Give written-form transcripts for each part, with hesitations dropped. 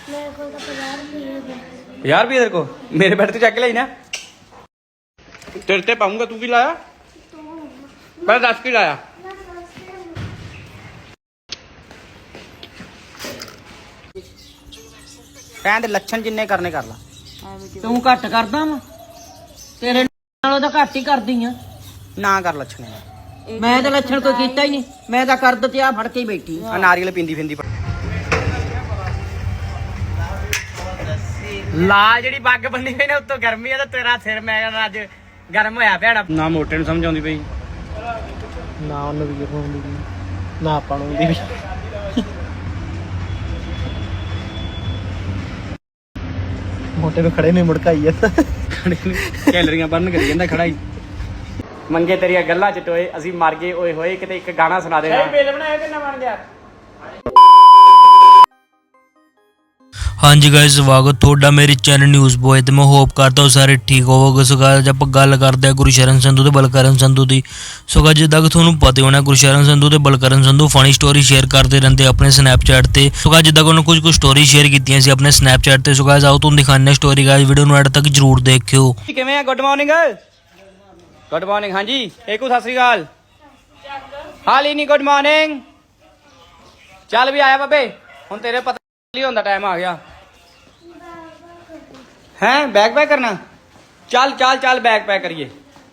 मेरे को तो 50 रुपये 50 रुपये तेरे को मेरे बैठ तो चेक लाई ना तेरे ते पाऊंगा तू की लाया पहले 10 की लाया कहते लक्षण जिन्ने करने कर ला ਤੂੰ ਘੱਟ ਕਰਦਾ ਵਾ ਤੇਰੇ ਨਾਲੋਂ ਤਾਂ ਘੱਟ ਹੀ ਕਰਦੀ ਆ ना कर लक्षण ਮੈਂ ਤਾਂ ਲੱਛਣ ਕੋਈ ਕੀਤਾ ਹੀ ਨਹੀਂ ਮੈਂ ਤਾਂ ਕਰ ਦਿੱਤੀ ਆ ਫੜ ਕੇ ਹੀ ਬੈਠੀ नारियल पींदी फिंदी ਲਾ ਜਿਹੜੀ ਬੱਗ ਬੰਨੀ ਪਈ ਨੇ ਉੱਤੋਂ ਗਰਮੀ ਆ ਤੇ ਤੇਰਾ ਸਿਰ ਮੈਂ ਕਹਿੰਦਾ ਅੱਜ ਗਰਮ ਹੋਇਆ ਪਿਆੜਾ ਨਾ ਮੋਟੇ ਨੂੰ ਸਮਝ ਆਉਂਦੀ ਪਈ ਨਾ ਉਹਨੂੰ ਵੀ ਹੁੰਦੀ ਨਾ ਆਪਾਂ ਨੂੰ ਹੁੰਦੀ ਵੀ ਮੋਟੇ ਨੂੰ ਖੜੇ ਨੇ ਮੁੜਕਾਈ ਜਾਂਦਾ ਕੈਲਰੀਆਂ ਬਰਨ ਕਰੀ ਜਾਂਦਾ ਖੜਾ ਹੀ ਮੰਗੇ ਤੇਰੀਆਂ ਗੱਲਾਂ ਚ ਟੋਏ ਅਸੀਂ ਮਰ ਗਏ ਓਏ ਹੋਏ ਕਿਤੇ ਇੱਕ ਗਾਣਾ ਸੁਣਾ ਦੇ ਬਿੱਲ ਬਣਾਇਆ ਕਿੰਨਾ ਬਣ ਗਿਆ ਹਾਂਜੀ ਗਾਇਸ ਸਵਾਗਤ ਤੁਹਾਡਾ ਮੇਰੇ ਚੈਨਲ ਨਿਊਜ਼ ਬੋਏ ਤੇ ਮੈਂ ਹੋਪ ਕਰਦਾ ਹਾਂ ਸਾਰੇ ਠੀਕ ਹੋਵੋਗੇ। ਸੋ ਗਾਇਸ ਆਪਾਂ ਗੱਲ ਕਰਦੇ ਹਾਂ ਗੁਰਸ਼ਰਨ ਸੰਧੂ ਤੇ ਬਲਕਰਨ ਸੰਧੂ ਦੀ। ਸੋ ਗਾਇਸ ਜਿੱਦਾਂ ਕਿ ਤੁਹਾਨੂੰ ਪਤਾ ਹੋਣਾ ਗੁਰਸ਼ਰਨ ਸੰਧੂ ਤੇ Balkaran Sandhu funny story share ਕਰਦੇ ਰਹਿੰਦੇ ਆਪਣੇ ਸਨੈਪਚੈਟ ਤੇ। ਸੋ ਗਾਇਸ ਜਿੱਦਾਂ ਕਿ ਉਹਨਾਂ ਕੁਝ ਸਟੋਰੀ ਸ਼ੇਅਰ ਕੀਤੀਆਂ ਸੀ ਆਪਣੇ ਸਨੈਪਚੈਟ ਤੇ। ਸੋ ਗਾਇਸ ਆਓ ਤੁਹਾਨੂੰ ਦਿਖਾਉਂਦੇ ਹਾਂ ਸਟੋਰੀ ਗਾਇਸ ਵੀਡੀਓ ਨੂੰ ਐਡ ਤੱਕ ਜਰੂਰ ਦੇਖਿਓ। ਕਿਵੇਂ ਆ ਗੁੱਡ ਮਾਰਨਿੰਗ ਹਾਂਜੀ ਏਕੂ ਸਤਿ ਸ੍ਰੀ ਅਕਾਲ ਹਾਲੀ ਨਹੀਂ ਗੁੱਡ ਮਾਰਨਿੰਗ ਚੱਲ ਵੀ ਆਇਆ ਬਾਬੇ ਹੁਣ ਤੇਰੇ ਪਤਾ ਨਹੀਂ ਹੁੰਦਾ ਟਾਈਮ ਆ ਗਿਆ हैं बैग पैक करना चल चल चल बैग पैक करिए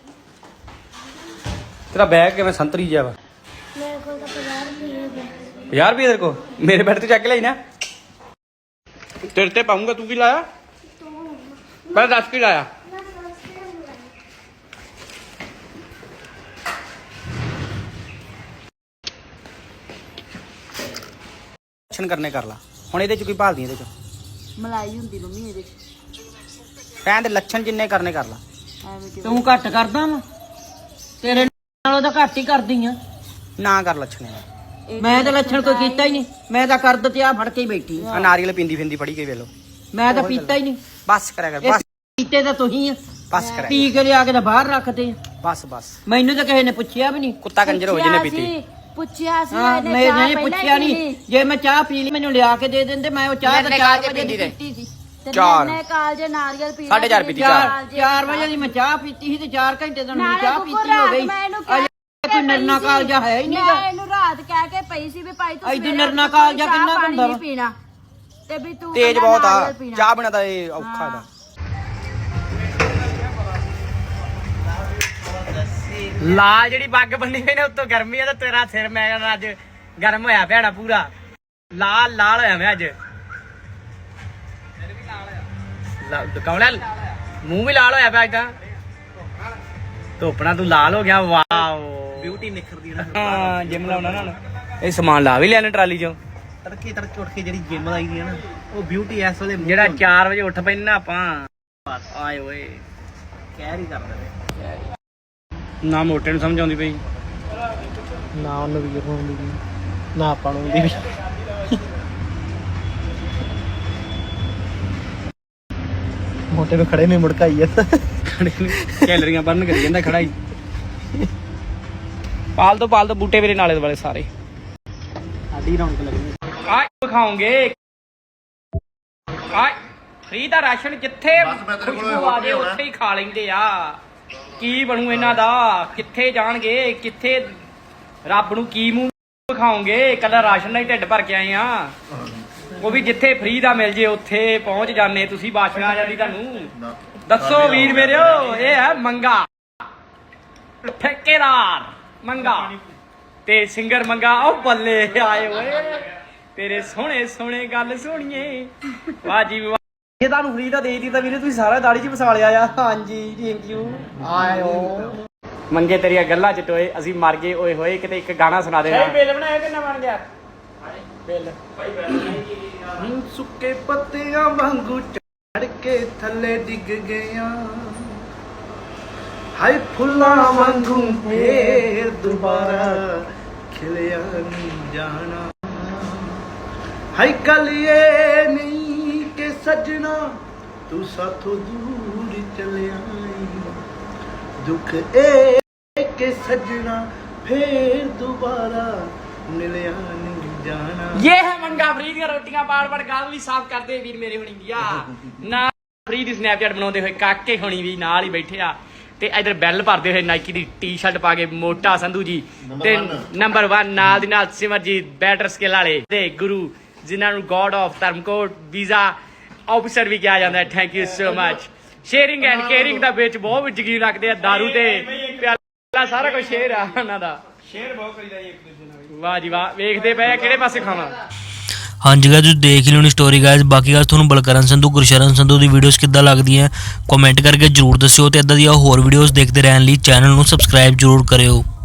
तेरा बैग के मैं संतरी जा मेरे को तो 50 रुपये 50 रुपये तेरे को मेरे बैठ तो चेक लाई ना तेरे ते पाऊंगा तू की लाया पहले 10 की लाया करने कर ला हुण इहदे च कोई भालदी इहदे च ਮਲਾਈ ਹੁੰਦੀ ਮੰਮੀ ਇਹਦੇ कहते लक्षण जिन्ने करने कर ला ਤੂੰ ਘੱਟ ਕਰਦਾ ਵਾ ਤੇਰੇ ਨਾਲੋਂ ਤਾਂ ਘੱਟ ਹੀ ਕਰਦੀ ਆ ना कर लक्षण ਮੈਂ ਤਾਂ ਲੱਛਣ ਕੋਈ ਕੀਤਾ ਹੀ ਨਹੀਂ ਮੈਂ ਤਾਂ ਕਰ ਦਿੱਤੀ ਆ ਫੜ ਕੇ ਹੀ ਬੈਠੀ नारियल पींदी फिंदी पड़ी गई वेलो ਮੈਂ ਤਾਂ ਪੀਤਾ ਹੀ ਨਹੀਂ बस करा कर बस ਪੀਤੇ ਤਾਂ ਤੁਸੀਂ ਆ बस करा ਪੀ ਕੇ ਲਿਆ ਕੇ ਤਾਂ ਬਾਹਰ ਰੱਖਦੇ ਆ बस बस ਮੈਨੂੰ ਤਾਂ ਕਿਸੇ ਨੇ ਪੁੱਛਿਆ ਵੀ ਨਹੀਂ कुत्ता कंजर हो जिन्हें पीती ਪੁੱਛਿਆ ਸੀ ਹਾਂ ਮੈਂ ਨਹੀਂ ਪੁੱਛਿਆ ਨਹੀਂ ਜੇ ਮੈਂ ਚਾਹ ਪੀ ਲਈ ਮੈਨੂੰ ਲਿਆ ਕੇ ਦੇ ਦਿੰਦੇ ਮੈਂ ਉਹ ਚਾਹ ਤਾਂ 4 ਵਜੇ ਦੀ ਪੀਤੀ ਸੀ ਚਾਰ ਨੇ ਕਾਲਜੇ ਨਾਰੀਅਲ ਪੀ 4:30 ਪੀਤੀ 4 ਵਜੇ ਦੀ ਮੈਂ ਚਾਹ ਪੀਤੀ ਸੀ ਤੇ 4 ਘੰਟੇ ਤੋਂ ਮੈਂ ਚਾਹ ਪੀਤੀ ਹੋ ਗਈ ਕੋਈ ਨਰਨਾ ਕਾਲਜਾ ਹੈ ਹੀ ਮੈਂ ਨਹੀਂਗਾ ਇਹਨੂੰ ਰਾਤ ਕਹਿ ਕੇ ਪਈ ਸੀ ਵੀ ਭਾਈ ਤੂੰ ਐਡੀ ਨਰਨਾ ਕਾਲਜਾ ਕਿੰਨਾ ਹੁੰਦਾ ਵਾ ਪੀਣਾ ਤੇ ਵੀ ਤੂੰ तेज ਕਹਿੰਦਾ बहुत ਨਾਰੀਅਲ आ ਪੀਣਾ। चाह बिना तो ये औखा दा ਲਾ ਜਿਹੜੀ ਬੱਗ ਬੰਨੀ ਪਈ ਨੇ ਉੱਤੋਂ ਗਰਮੀ ਆ ਤੇ ਤੇਰਾ ਸਿਰ ਮੈਂ ਕਹਿੰਦਾ ਅੱਜ ਗਰਮ ਹੋਇਆ ਪਿਆੜਾ ਪੂਰਾ ਲਾਲ ਲਾਲ ਹੋਇਆ ਮੈਂ ਅੱਜ ਕੌਣ ਮੂੰਹ ਵੀ ਲਾਲ ਹੋਇਆ ਪਿਆ ਅੱਜ ਤਾਂ ਧੋਪਣਾ ਤੂੰ ਲਾਲ ਹੋ ਗਿਆ ਵਾਓ ਬਿਊਟੀ ਨਿਖਰਦੀ ਨਾ ਹਾਂ ਜਿਮ ਲਾਉਣਾ ਨਾ ਇਹ ਸਮਾਨ ਲਾ ਵੀ ਲਿਆ ਟਰਾਲੀ ਚੋਂ ਤੜਕੇ ਉੱਠ ਕੇ ਜਿਹੜੀ ਜਿਮ ਲਾਈ ਦੀ ਹੈ ਨਾ ਉਹ ਬਿਊਟੀ ਇਸ ਵੇਲੇ ਜਿਹੜਾ 4 ਵਜੇ ਉੱਠ ਪੈਣਾ ਆਪਾਂ ਆਏ ਓਏ ਕਹਿਰ ਹੀ ਕਰਦਾ ਨਾ ਮੋਟੇ ਨੂੰ ਸਮਝ ਆਉਂਦੀ ਪਈ ਨਾ ਉਹਨੂੰ ਵੀ ਹੁੰਦੀ ਨਾ ਆਪਾਂ ਨੂੰ ਹੁੰਦੀ ਵੀ ਮੋਟੇ ਨੂੰ ਖੜੇ ਨੇ ਮੁੜਕਾਈ ਜਾਂਦਾ ਕੈਲਰੀਆਂ ਬਰਨ ਕਰੀ ਜਾਂਦਾ ਖੜਾ ਹੀ ਪਾਲ ਦੋ ਬੂਟੇ ਮੇਰੇ ਨਾਲੇ ਵਾਲੇ ਸਾਰੇ ਸਾਡੀ ਰੌਣਕ ਲੱਗਣੀ ਆ ਖਾਓਗੇ ਆ ਫ੍ਰੀ ਦਾ ਰਾਸ਼ਨ ਜਿੱਥੇ ਖੁਸ਼ਬੂ ਆ ਜੇ ਉੱਥੇ ਹੀ ਖਾ ਲੈਂਦੇ ਆ ਕੀ ਬਣੂ ਇਹਨਾਂ ਦਾ ਕਿੱਥੇ ਜਾਣਗੇ ਕਿੱਥੇ ਰੱਬ ਨੂੰ ਕੀ ਮੂੰਹ ਖਾਓਗੇ ਕੱਲਾ ਰਾਸ਼ਨ ਨਾਲ ਹੀ ਢਿੱਡ ਭਰ ਕੇ ਆਏ ਆ ਉਹ ਵੀ ਜਿੱਥੇ ਫ੍ਰੀ ਦਾ ਮਿਲ ਜੇ ਉੱਥੇ ਪਹੁੰਚ ਜਾਂਦੇ ਤੁਸੀਂ ਬਾਸ਼ਨਾ ਆ ਜਾਂਦੀ ਤੁਹਾਨੂੰ ਦੱਸੋ ਵੀਰ ਮੇਰਿਓ ਇਹ ਹੈ ਮੰਗਾ ਠੇਕੇਦਾਰ ਮੰਗਾ ਤੇ ਸਿੰਗਰ ਮੰਗਾ ਉਹ ਬੱਲੇ ਆਏ ਓਏ ਤੇਰੇ ਸੋਹਣੇ ਸੋਹਣੇ ਗੱਲ ਸੁਣੀਏ ਵਾਹ ਜੀ ਵਾਹ ਇਹ ਤੁਹਾਨੂੰ ਫ੍ਰੀ ਦਾ ਦੇ ਦਿੱਤੀ ਤਾਂ ਵੀਰੇ ਤੁਸੀਂ ਸਾਰਾ ਦਾੜੀ 'ਚ ਵਸਾ ਲਿਆ ਆ ਹਾਂਜੀ ਥੈਂਕ ਯੂ ਆਇਓ ਮੰਗੇ ਤੇਰੀਆਂ ਗੱਲਾਂ 'ਚ ਟੋਏ ਅਸੀਂ ਮਰ ਗਏ ਓਏ ਹੋਏ ਕਿਤੇ ਇੱਕ ਗਾਣਾ ਸੁਣਾ ਦੇ ਬਿੱਲ ਬਣਾਇਆ ਕਿੰਨਾ ਬਣ ਗਿਆ ਬਿੱਲ ਸੁੱਕੇ ਪੱਤਿਆਂ ਵਾਂਗੂ ਝੜ ਕੇ ਥੱਲੇ ਡਿੱਗ ਗਿਆ ਹਾਏ ਫੁੱਲਾਂ ਵਾਂਗੂ ਫੇਰ ਦੁਬਾਰਾ ਖਿਲਿਆ ਨਹੀਂ ਜਾਣਾ ਹਾਏ ਕੱਲ ਇਹ ਨਹੀਂ ਕਿ ਸੱਜਣਾ ਤੂੰ ਸਾਥੋਂ ਦੂਰ ਚਲਿਆ ਦੁੱਖ ਇਹ ਕਿ ਸੱਜਣਾ ਫੇਰ ਦੁਬਾਰਾ ਮਿਲਿਆ ਨਹੀਂ ਜਾਣਾ ये है मंगा फ्री ਦੀਆਂ ਰੋਟੀਆਂ ਬਾੜ ਗਾਲ ਵੀ ਸਾਫ਼ ਕਰਦੇ ਵੀਰ ਮੇਰੇ ਹੁਣੀ ਗਿਆ ਨਾ ਫਰੀ ਦੀ ਸਨੈਪਚੈਟ ਬਣਾਉਂਦੇ ਹੋਏ ਕਾਕੇ ਹੁਣੀ ਵੀ ਨਾਲ ਹੀ ਬੈਠੇ ਆ ਤੇ ਇਧਰ ਬੈਲ ਭਰਦੇ ਹੋਏ ਨਾਈਕੀ ਦੀ ਟੀ-ਸ਼ਰਟ ਪਾ ਕੇ ਮੋਟਾ ਸੰਧੂ ਜੀ ਤੇ ਨੰਬਰ 1 ਨਾਲ ਦੀ ਨਾਲ ਸਿਮਰਜੀਤ ਬੈਟਰ ਸਕਿੱਲ ਵਾਲੇ ਤੇ ਗੁਰੂ ਜਿਨ੍ਹਾਂ ਨੂੰ god of Dharamkot visa officer ਵੀ ਕਿਹਾ ਜਾਂਦਾ ਹੈ। Thank you so much. Sharing and caring ਦਾ ਵਿੱਚ ਬਹੁਤ ਯਕੀਨ ਰੱਖਦੇ ਆ। ਦਾਰੂ ਤੇ ਪਿਆਲਾ ਸਾਰਾ ਕੁਝ ਸ਼ੇਅਰ ਆ ਉਹਨਾਂ ਦਾ। ਸ਼ੇਅਰ ਬਹੁਤ ਕਰੀਦਾ ਜੀ ਇੱਕ ਦੂਜੇ ਨਾਲ। ਵਾਹ ਜੀ ਵਾਹ, ਵੇਖਦੇ ਪਏ ਆ ਕਿਹੜੇ ਪਾਸੇ ਖਾਵਾਂ। ਹਾਂਜੀ ਗਾਇਸ ਤੁਸੀਂ ਦੇਖ ਲਿਓ ਨੀ ਸਟੋਰੀ ਗਾਇਸ। ਬਾਕੀ ਗਾਇਸ ਤੁਹਾਨੂੰ ਬਲਕਰਨ ਸੰਧੂ ਗੁਰਸ਼ਰਨ ਸੰਧੂ ਦੀ ਵੀਡੀਓਜ਼ ਕਿੱਦਾਂ ਲੱਗਦੀਆਂ ਕਮੈਂਟ ਕਰਕੇ ਜਰੂਰ ਦੱਸਿਓ ਤੇ ਇਦਾਂ ਦੀਆਂ ਹੋਰ ਵੀਡੀਓਜ਼ ਦੇਖਦੇ ਰਹਿਣ ਲਈ ਚੈਨਲ ਨੂੰ ਸਬਸਕ੍ਰਾਈਬ ਜਰੂਰ ਕਰਿਓ।